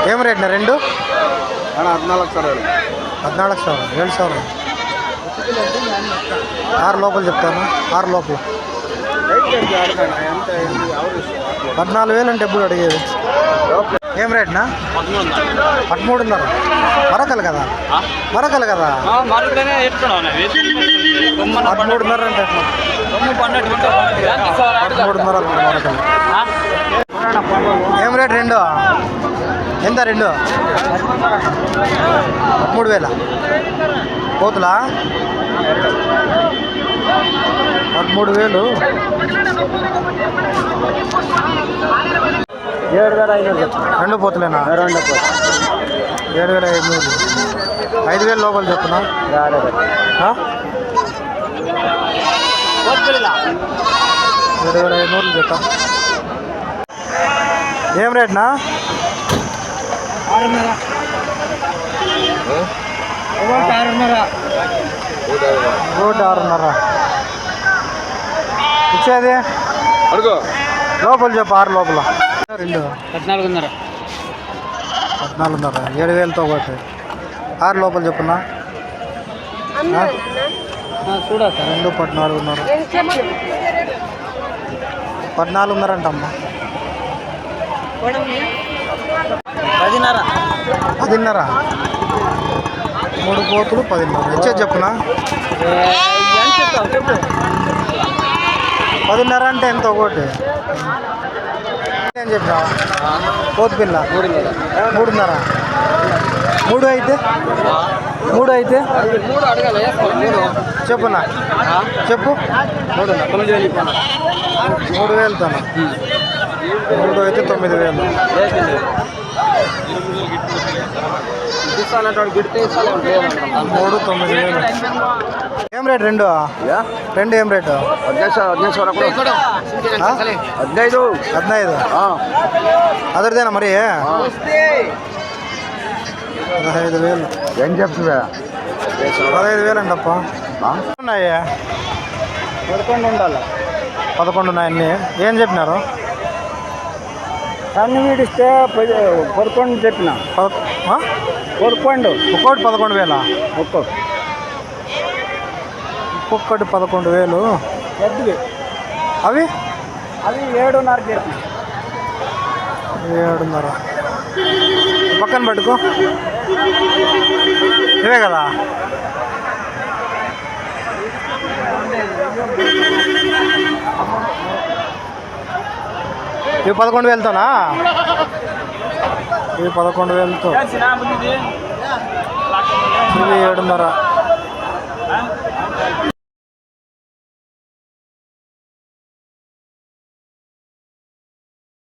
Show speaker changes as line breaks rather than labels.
ఏం రేట్నా రెండు?
14,000.
14,000, 7,000. 6 లోపల చెప్తాను, 6 లోపల. 14,000 అంటే ఎప్పుడు అడిగేది? ఏం రేట్నా? 13,500. మరకలు కదా, మరకలు కదా. 13,500 అంటే 13,500 మరకలు. ఏం రేట్ రెండు? ఎంత రెండు? 13,000. పోతులా 13,000.
7,500.
రెండు పోతులేనా? 7,500. 5,000 లోపల చెప్పునా? 7,500 చెప్తా. ఏం రేట్నా? 6,500. ఇచ్చేది
అడుగు
లోపల చెప్పు, 6 లోపల. రెండు
14,500.
14,500. 7,000తో ఒకటి. 6 లోపల చెప్పున్నా.
చూడా
రెండు 14,500. 14,500 అంటమ్మా.
10,500.
10,500. 3 పోతులు 10,500. ఇచ్చేది చెప్పునా. 10,500 అంటే ఎంత ఒకటి? ఏం చెప్పినా? పోతు పిల్ల 3,500. 3 అయితే 3 అయితే చెప్పునా, చెప్పు. 3,000తో 3 అయితే 9,000. 3, 9,000. ఏం రేట్ రెండు? రెండు ఏం రేటు? 15. అదర్దేనా మరి? 15,000.
ఏం చెప్తుందా?
15,000 అంటప్ప. ఉన్నాయి
11 ఉండాలి.
11 ఉన్నాయి అన్నీ. ఏం చెప్పినారు?
సన్న వీడిస్తే 11 చెప్పిన. 11
ఒక్కోటి 11,000. ఒక్కొక్కటి 11,000.
పెద్దవి
అవి
7,500 చెప్పిన.
7,500. పక్కన పట్టుకో, ఇవే కదా. ఇవి 11,000తోనా? ఇవి 11,000తో. ఇవి 7,500.